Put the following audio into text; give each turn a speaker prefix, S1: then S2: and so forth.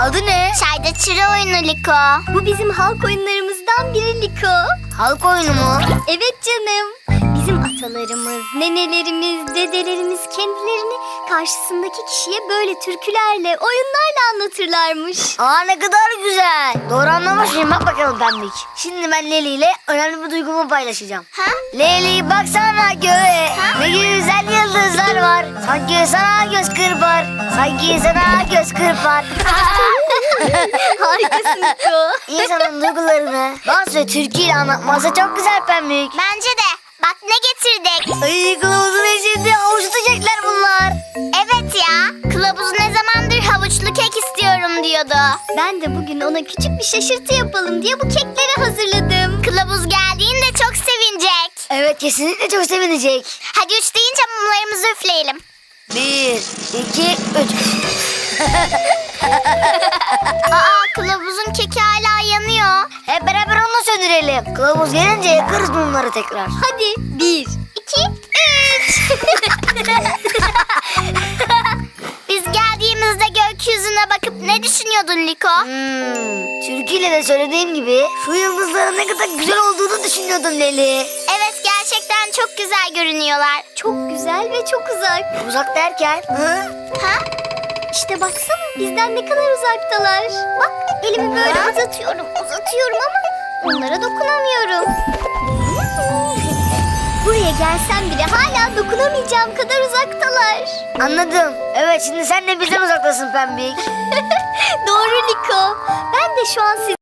S1: Adı ne?
S2: Çayda çıra oyunu Liko.
S3: Bu bizim halk oyunlarımızdan biri Liko.
S1: Halk oyunu mu?
S3: Evet canım. Bizim atalarımız, nenelerimiz, dedelerimiz kendilerini karşısındaki kişiye böyle türkülerle, oyunlarla anlatırlarmış.
S1: Aa, ne kadar güzel. Doğru anlamış mıyım? Bak bakalım Pembik. Şimdi ben Leli ile önemli bir duygumu paylaşacağım.
S2: Ha?
S1: Leli baksana göğe, ne güzel yıldızlar var. Sanki sana göz kırpar, sanki sana göz kırpar.
S3: Harikasın Liko.
S1: İnsanın duygularını dans ve türküyle anlatması çok güzel Pembik.
S2: Bence de. Bak ne getirdik.
S1: Ay, kılavuzun eşinde havuç tutacaklar bunlar.
S2: Evet ya. Kılavuz ne zamandır havuçlu kek istiyorum diyordu.
S3: Ben de bugün ona küçük bir şaşırtı yapalım diye bu kekleri hazırladım.
S2: Kılavuz geldiğinde çok sevinecek.
S1: Evet, kesinlikle çok sevinecek.
S2: Hadi 3 deyince mumlarımızı üfleyelim.
S1: 1, 2, 3.
S2: Aa, kılavuzun keki hala yanıyor.
S1: Hep beraber onu söndürelim. Kılavuz gelince yakarız bunları tekrar.
S3: Hadi 1, 2, 3.
S2: Biz geldiğimizde gökyüzüne bakıp ne düşünüyordun Liko?
S1: Türküyle de söylediğim gibi şu yıldızların ne kadar güzel olduğunu düşünüyordum Leli.
S2: Evet, gerçekten çok güzel görünüyorlar.
S3: Çok güzel ve çok uzak.
S1: Uzak derken?
S2: Ha?
S3: İşte baksana bizden ne kadar uzaktalar. Bak elimi böyle uzatıyorum ama onlara dokunamıyorum. Buraya gelsem bile hala dokunamayacağım kadar uzaktalar.
S1: Anladım. Evet, şimdi sen de bizden uzaktasın Pembik.
S3: Doğru Liko. Ben de şu an